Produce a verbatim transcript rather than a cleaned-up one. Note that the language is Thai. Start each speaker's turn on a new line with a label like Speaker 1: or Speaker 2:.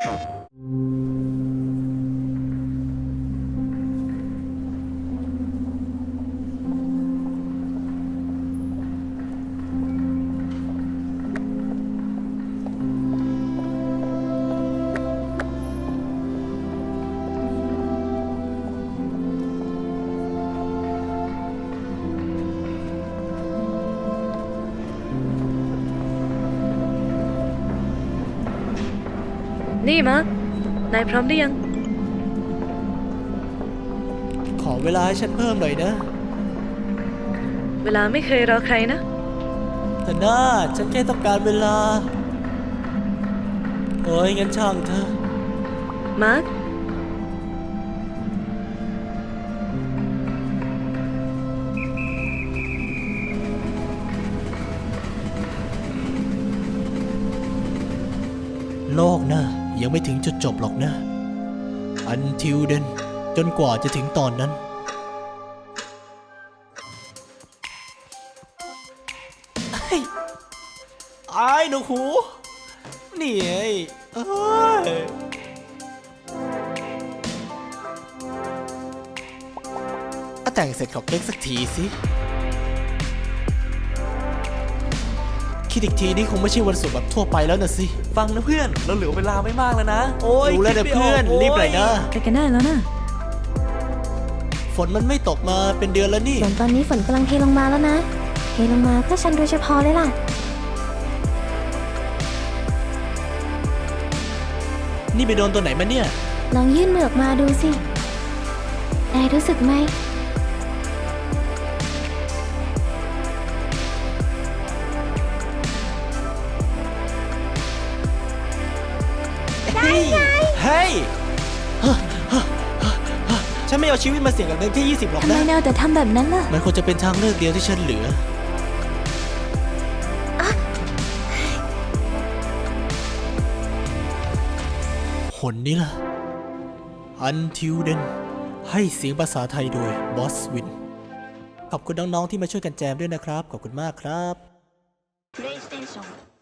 Speaker 1: นี่มาร์ค นายพร้อมหรือยัง
Speaker 2: ขอเวลาให้ฉันเพิ่มหน่อยนะ
Speaker 1: เวลาไม่เคยรอใครนะ
Speaker 2: แต่น่าฉันแค่ต้องการเวลาเอ้ยงั้นช่างเถอะ
Speaker 1: มาร์ค
Speaker 2: โลกนะยังไม่ถึงจุดจบหรอกนะ Until then จนกว่าจะถึงตอนนั้นไอ้ไอ้หนูหูนี่ไอ้เอ้ยอะแต่งเสร็จขอเค้กสักทีสิคิดอีกทีนี่คงไม่ใช่วันศุกร์แบบทั่วไปแล้วนะสิฟังนะเพื่อนเราเหลือเวลาไม่มากแล้วนะโอ้ยรู้แล้วนะเพื่อนรีบหน่อยนะ
Speaker 1: ไปกันได้แล้วนะ
Speaker 2: ฝนมันไม่ตกมาเป็นเดือนแล้วนี่
Speaker 3: ส่วนตอนนี้ฝนกำลังเทลงมาแล้วนะ เทลงมาเพื่อฉันโดยเฉพาะเลยล่ะ
Speaker 2: นี่ไปโดนตัวไหนมาเนี่ย
Speaker 3: ลองยื่นมือออกมาดูสินายรู้สึกไหม
Speaker 2: เฮ้ยเฮ้ยฉันไม่เอาชีวิตมาเสี่ยงกับเงินแค่ยี่สิบหรอก
Speaker 3: ทำไม
Speaker 2: นะ
Speaker 3: แนวแต่ทำแบบนั้นล่ะ
Speaker 2: มันควรจะเป็นทางเลือกเดียวที่ฉันเหลือหนนี้ล่ะ Until then ให้เสียงภาษาไทยโดย Boss Win ขอบคุณน้องๆที่มาช่วยกันแจมด้วยนะครับ ขอบคุณมากครับ
Speaker 4: プレイステーション